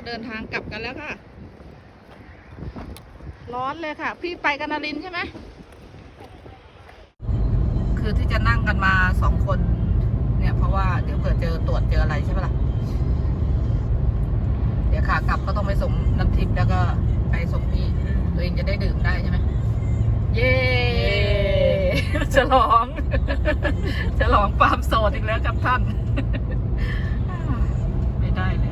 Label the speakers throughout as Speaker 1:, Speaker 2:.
Speaker 1: เดินทางกลับกันแล้วค่ะร้อนเลยค่ะพี่ไปกันนารินใช่ไหมคือที่จะนั่งกันมา2 คนเนี่ยเพราะว่าเดี๋ยวเผื่อตรวจเจออะไรใช่ไหมล่ะเดี๋ยวขากลับก็ต้องไปส่งน้ำทิพย์แล้วก็ไปส่งพี่ตัวเองจะได้ดื่มได้ใช่ไหมเย้ฉลองฉลองความโสดอีกแล้วครับท่านไม่ได้เลย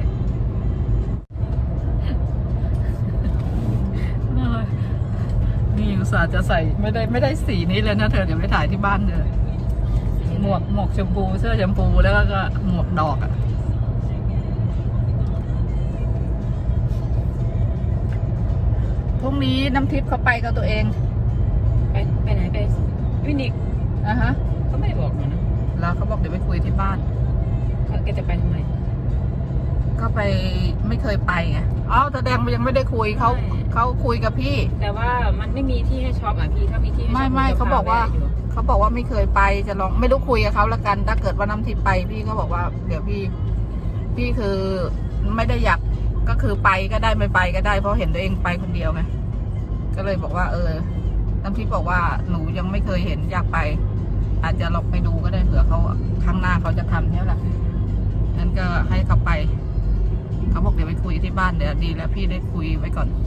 Speaker 1: นี่อุตส่าห์จะใส่ไม่ได้สีนี้เลยนะเธอเดี๋ยวไปถ่ายที่บ้านเลยหมวกชมพูเสื้อชมพูแล้วก็หมวกดอกอ่ะพรุ่งนี้น้ำทิพย์เขาไปกับตัวเอง
Speaker 2: ไปไหนไปวินิก
Speaker 1: ฮะ
Speaker 2: เขาไม่บอกนะ
Speaker 1: แล้วเขาบอกเดี๋ยวไปคุยที่บ้าน
Speaker 2: แกจะไปทำไม
Speaker 1: ก็ไปไม่เคยไปไงอ๋อแสดงยังไม่ได้คุยเขาคุยกับพี่
Speaker 2: แต่ว่ามันไม่มีที่ให้ช็อปอ่ะพี่ถ้ามีที่ให้ช็อป
Speaker 1: ไม่เขาบอกว่าไม่เคยไปจะลองไม่รู้คุยกับเขาละกันถ้าเกิดว่าน้ำทิพย์ไปพี่ก็บอกว่าเดี๋ยวพี่คือไม่ได้อยากก็คือไปก็ได้ไม่ไปก็ได้เพราะเห็นตัวเองไปคนเดียวไงก็เลยบอกว่าน้ำทิพย์บอกว่าหนูยังไม่เคยเห็นอยากไปอาจจะลองไปดูก็ได้เผื่อเขาข้างหน้าเขาจะทำเนี่ยแหละงั้นก็ให้เขาไปเขาบอกเดี๋ยวไปคุยที่บ้านเดี๋ยวดีแล้วพี่ได้คุยไว้ก่อน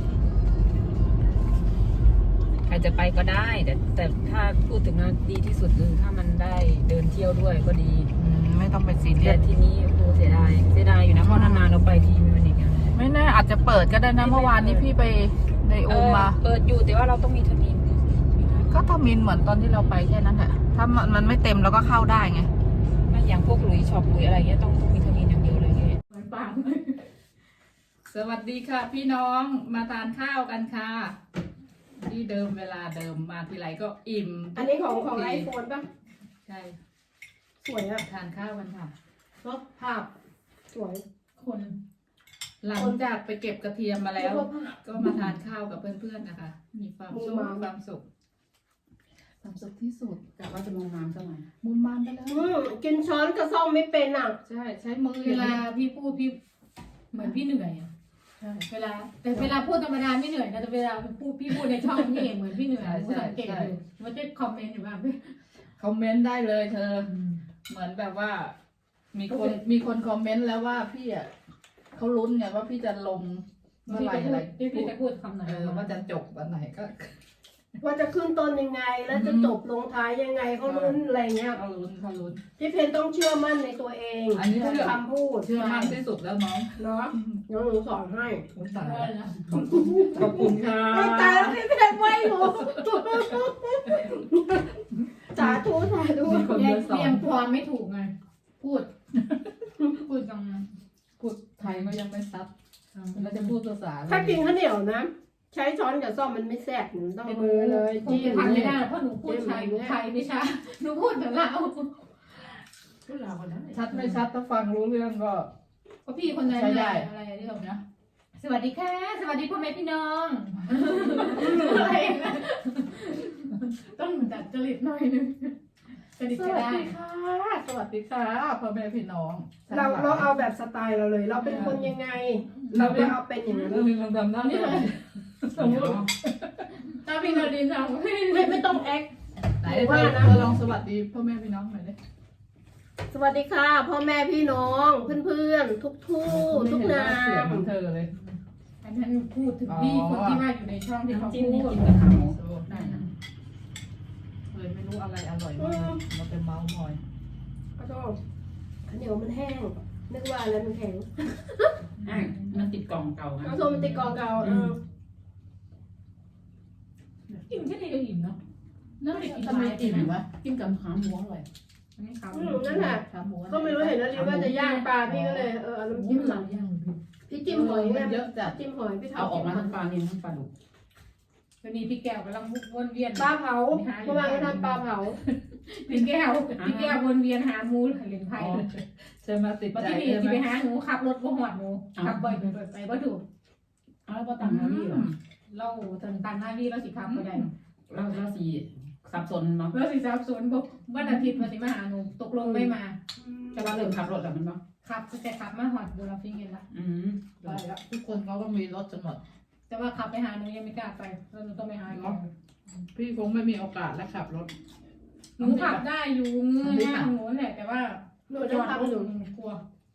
Speaker 2: ใครจะไปก็ได้แต่ถ้าพูดถึงนะดีที่สุดคือถ้ามันได้เดินเที่ยวด้วยก็ดี
Speaker 1: ไม่ต้องไปซีเรีย
Speaker 2: ส
Speaker 1: ส
Speaker 2: ทีนี้โอ้เสียดายอยู่นะเพราะนานๆเราไปทีมันอีก
Speaker 1: ไม่แน่อาจจะเปิดก็ได้นะเมื่อวานนี้พี่ไปในโอมมา
Speaker 2: เปิดอยู่แต่ว่าเราต้องมีทมิน
Speaker 1: ก็ทมินเหมือนตอนที่เราไปแค่นั้นแหละถ้ามันไม่เต็มเราก็เข้าได้ไง
Speaker 2: อย่างพวกลุยช็อปลุยอะไรเงี้ยต้องมีทมินอย่างเดียวเลยเงี้ย
Speaker 1: ปังสวัสดีค่ะพี่น้องมาทานข้าวกันค่ะที่เดิมเวลาเดิมมาทีไรก็อิ่ม
Speaker 3: อันนี้ของไอโฟนป่ะ
Speaker 1: ใช่
Speaker 3: สวยอะ
Speaker 1: ทานข้าวกันค่ะ
Speaker 3: ก็ภาพสวย
Speaker 1: คนหลังจากไปเก็บกระเทียมมาแล้วก็มาทานข้าวกับเพื่อนๆนะคะมีความสุขที่สุด
Speaker 2: แต่ว่าจะมองน้ำสักหน่อย
Speaker 1: มุมมามไปเลย
Speaker 3: กินช้อนกระซ่อมไม่เป็นอ่ะ
Speaker 1: ใช้มือ
Speaker 4: เวลาพี่พูดพี่เหมือนพี่เหนื่อยอ่ะเวลาพูดธรรมดาไม่เหนื่อยนะแต่เวลาพี่พูดในช่องนี่เหมือนพี่เหนื่อยผู้สังเกตดูมันจะคอมเมนต์อยู่บ้างพี่
Speaker 1: คอมเมนต์ได้เลยเธอเหมือนแบบว่ามีคนคอมเมนต์แล้วว่าพี่อ่ะเขาลุ้นไงว่าพี่จะลงเมื่อไหร่อะไร
Speaker 4: พี่จะพูดคำไหน
Speaker 1: ว่าจะจบวันไหนก็
Speaker 3: ว่าจะขึ้นต้นยังไงแล้วจะจบลงท้ายยังไงเขาลุ้นอะไรเงี้ย
Speaker 1: เขาลุ้น
Speaker 3: พี่เพนต้องเชื่อมั่นในตัวเอง
Speaker 1: อันนี้
Speaker 3: คำพูด
Speaker 1: เชื่อมั่นที่สุดแล้วน้อง
Speaker 3: เนาะน้องหนูสอนให้
Speaker 1: ขอบคุณค่ะ
Speaker 3: ตายแล้วพี่เพนไม่รู้สาธุ
Speaker 4: เรียงความไม่ถูกไงพูดจัง
Speaker 1: พูดไทยก็ยังไม่ซับแล้วจะพูดภาษา
Speaker 3: ถ้ากินข้าวเหนียวนะใช้ช้อนกับซ่อมมันไม่แซ่บหนูต้องมือเลย
Speaker 4: จี้ทำไม่ได้เพราะหนูพูดไทยไม่ใช่หนูพูดแต่ลาวพูดลาวคนนั้น
Speaker 1: ชัดไม่ชัดถ้าฟังรู้เรื่องก็
Speaker 4: พี่คนนั้นอะไรเรื่องนะสวัสดีค่ะสวัสดีพ่อแม่พี่น้องอะไรนะต้องจัดจริตหน่อยนึง
Speaker 1: สวัสดีค่ะสวัสดีค่ะพ่อแม่พี่น้อง
Speaker 3: เราเอาแบบสไตล์เราเลยเราเป็นคนยังไงเราก็เอาเป็นอย่างนั้น
Speaker 1: เราทำได้นี่เลยสมมติ
Speaker 4: ถ้าพี่นาดินทำ
Speaker 3: ไม่ต้องแอค
Speaker 1: ไหนว่านะลองสวัสดีพ่อแม่พี่น้องหน่อยดิ
Speaker 3: สวัสดีค่ะพ่อแม่พี่น้องเพื่อนๆทุกนาม
Speaker 1: ของเธอเลย
Speaker 4: อันนั้นพูดถึงพี่คนที่ว่าอยู่ในช่องที่เขาพูด
Speaker 1: นั่นนะเลยไม่รู้อะไรอร่อยมากเราเป็นเมาส์มอย
Speaker 3: ก็ชอบข้าวเหนียวมันแห้งนึกว่าอะไรมันแข็ง
Speaker 2: มันติดกล่องเก่า
Speaker 3: ข้าวโพดมันติดกล่องเก่า
Speaker 4: อิ่มแค่นี้ก็อิ่มเนาะ
Speaker 1: นั่นเด็กกินทำไมอิ่มวะกินกับขาหมูอร่อย
Speaker 3: นั่นแหละก็ไม่รู้เห็นแล้วรีว่าจะย่างปลาพี่ก็เลยเอาน้ำจิ้มหลังพี่จิ้มหอย
Speaker 1: เยอะจัด
Speaker 3: จิ้มหอยพี่
Speaker 2: เอาออกมาทั้งปลาเนี่ยทั้งปลาดุก
Speaker 4: วันนี้พี่แก้วกำลังวนเวียน
Speaker 3: ปลาเผาเมื่อวานก็ทำปลาเผา
Speaker 4: พี่แก้ววนเวียนหาหมูเหรียญไผ่
Speaker 1: ใช่ไหมติดใจ
Speaker 4: ใช่ไหมไปหาหนูขับรถบ่หอดหนูขับบ่อยไปบ่ถูก
Speaker 2: แล้วพอตังหน้าพี่เหรอ
Speaker 4: เราตังหน้าพี่เราสิขับก็ได้
Speaker 2: เราสีสับสนเนาะ
Speaker 4: เราสิสับสนบอกวันอาทิตย์มาสิมาหาหนูตกลงไม่มา
Speaker 2: จะว่าเริ่มขับรถแล้วมันบ้าง
Speaker 4: ขับแต่ขับมาหอดดูเราฟิงเงินละ
Speaker 1: ไปแล้วทุกคนเขาก็มีรถกันหมด
Speaker 4: แต่ว่าขับไปหาหนูยังไม่กล้าไปเราต้องไปหาแก
Speaker 1: พี่คงไม่มีโอกาสแล้วขับรถ
Speaker 4: หนูขับได้อยู่เงื่อนหน้าหนูแหละแต่ว่า
Speaker 3: หนู
Speaker 4: จ
Speaker 3: จะ
Speaker 4: อดรถ
Speaker 3: ทำ
Speaker 4: ห
Speaker 3: ห
Speaker 4: นู
Speaker 3: นู
Speaker 4: กลัว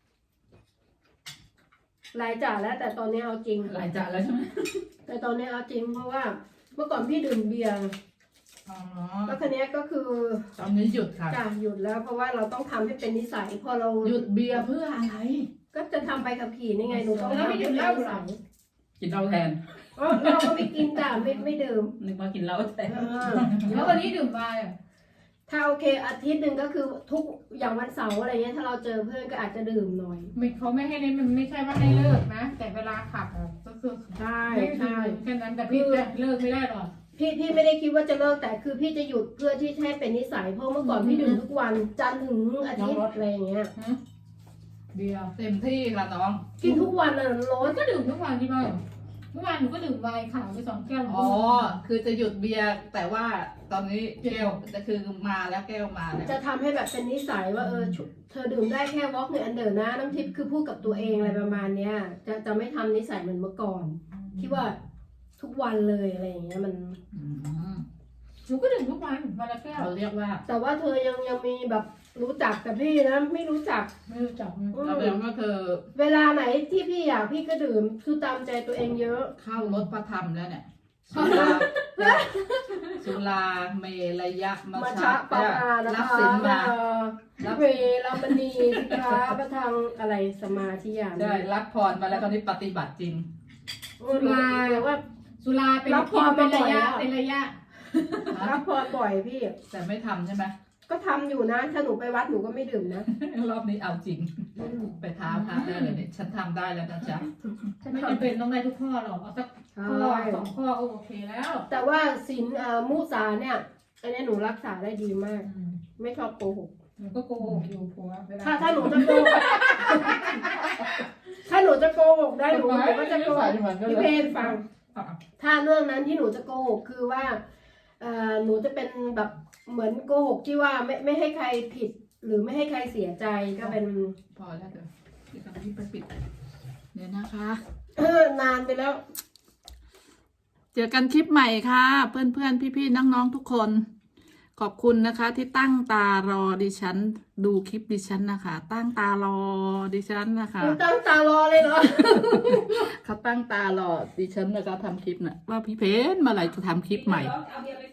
Speaker 3: หลายจ่าแล้วแต่ตอนนี้เอาจริง
Speaker 2: หลายจานแล้วใช่ไหม
Speaker 3: แต่ตอนนี้เอาจริงเพราะว่าเมื่อก่อนพี่ดื่มเบียร์
Speaker 1: อ๋อ
Speaker 3: แล้วคันนี้ยก็คือ
Speaker 1: ตอนนี้หยุดค่ะ
Speaker 3: จ่าหยุดแล้ว เพราะว่าเราต้องทำให้เป็นนิสัยพอเรา
Speaker 1: หยุดเบียร์เพื่ออะไร
Speaker 3: ก็จะทำไปขับขี่นี่ไงหนูต้อง
Speaker 4: แล้วไม่
Speaker 3: ทำ
Speaker 4: ดื่
Speaker 3: ให้
Speaker 4: ม
Speaker 3: เป็น
Speaker 4: เหล้า
Speaker 3: นิ
Speaker 4: หร
Speaker 3: สั
Speaker 4: อย
Speaker 2: กินเหล้าแทน
Speaker 3: อ๋อเราก็ไม่กินจ่าไม่ดื่ม
Speaker 2: นึกว่ากินเหล้าแทน
Speaker 4: แล้ววันนี้ดื่มไวน์อ่ะ
Speaker 3: ถ้าโอเคอาทิตย์หนึ่งก็คือทุกอย่างวันเสาร์อะไรเงี้ยถ้าเราเจอเพื่อนก็อาจจะดื่มหน่อย
Speaker 4: เขาไม่ให้เล่นมันไม่ใช่ว่าให้เลิกนะ แต่เวลาขับอะก็คือ
Speaker 3: ใช่
Speaker 4: ไม่ดื่
Speaker 3: ใช่
Speaker 4: มแค่นั้นแต่พี่จะเลิกไม่ได้หรอก
Speaker 3: พี่ไม่ได้คิดว่าจะเลิกแต่คือพี่จะหยุดเพื่อที่ให้เป็นนิสัยเพราะเมื่อก่อนพี่ดื่มทุกวันจันทร์ถึงอาทิตย์อะไรอย่างเงี้ย
Speaker 4: เบียร์
Speaker 1: เต็มที่ค่ะน้อง
Speaker 3: กินทุกวันน่ะร
Speaker 4: มั
Speaker 3: ส
Speaker 4: นก็ดื่มทุกวันที่บ้านเมื่อวานหนูก็ดื่มไวน์ขาวไป2 แก้ว
Speaker 1: อ๋อ คือจะหยุดเบียร์แต่ว่าตอนนี้แก้วจะคือมาแล้วแก้วมาแล้ว
Speaker 3: จะทำให้แบบเป็นนิสัยว่าเธอดื่มได้แค่วอล์กหรืออันเดอร์นะน้ำทิพย์คือพูดกับตัวเองอะไรประมาณเนี้ยจะไม่ทำนิสัยเหมือนเมื่อก่อนคิดว่าทุกวันเลยอะไรอย่างเงี้ยมัน
Speaker 1: อืม
Speaker 4: หนูก็ดื่มทุกวันวันละแก้ว
Speaker 1: เขาเรียกว่า
Speaker 3: แต่ว่าเธอยังมีแบบรู้จักแต่พี่นะไม่รู้จัก
Speaker 4: ไม่รู้จัก
Speaker 1: เราเรียกว่าเธอ
Speaker 3: เวลาไหนที่พี่อยากพี่ก็ดื่มคือตามใจตัวเองเยอะ
Speaker 1: เข้ารถพระธรรมแล้วเนี่ยสุราสุราเมรยะมั
Speaker 3: มา
Speaker 1: ช
Speaker 3: ชะปารานะ
Speaker 1: รับ
Speaker 3: คะ
Speaker 1: สินมารับ
Speaker 3: เวลามณีสิกขาประทังอะไรสมาธิญาณ
Speaker 1: ได้รับพรมาแล้วตอนนี้ปฏิบัติจริง
Speaker 3: สุราว่า
Speaker 4: สุราเป็น
Speaker 3: รับพร
Speaker 4: เป็นระยะ
Speaker 3: มาบ่อยแล้ว
Speaker 4: เป็นระยะ
Speaker 3: รับพรบ่อยพี่
Speaker 1: แต่ไม่ทำใช่ไหม
Speaker 3: ก็ทำอยู่นะ ถ้าหนูไปวัดหนูก็ไม่ดื่มนะ
Speaker 1: รอบนี้เอาจริง ไปท้าพระได้เลยเนี่ยฉันทำได้แล้วนะจ๊ะ
Speaker 4: ไม่จำเป็นต้องได้ทุกข้อหรอกเอาสักข้อ2 ข้อก็โอเคแล้ว
Speaker 3: แต่ว่าศีลมุสาเนี่ย อันนี้หนูรักษาได้ดีมาก ไม่ชอบโกหก
Speaker 4: หนูก็โกหกอยู่ผัวเวลา
Speaker 3: ถ้าหนูจะโกหก ถ้าหนูจะโกหกได้หนูก็จะโกหกพี่เพนฟัง ถ้าเรื่องนั้นที่หนูจะโกหกคือว่าหนูจะเป็นแบบเหมือนโกหกที่ว่าไม่ให้ใครผิด หรือไม่ให้ใครเสียใจก็เป็น
Speaker 1: พอแล้วเดี๋ยวพี่กำลังไปปิดเดี๋ยวนะคะ
Speaker 3: นานไปแล้ว
Speaker 1: เจอกันคลิปใหม่ค่ะ เพื่อนๆ พี่ๆ น้องๆ ทุกคน ขอบคุณนะคะที่ตั้งตารอดิฉันดูคลิปดิฉันนะคะ ตั้งตารอดิฉันนะคะ
Speaker 3: คุณตั้งตารอเลยเหรอ
Speaker 1: เขาตั้งตารอดิฉันนะคะทำคลิปน่ะว่าพี่เพนเมื่อไหร่จะทำคลิปใหม่
Speaker 2: เอาเบียร์ไป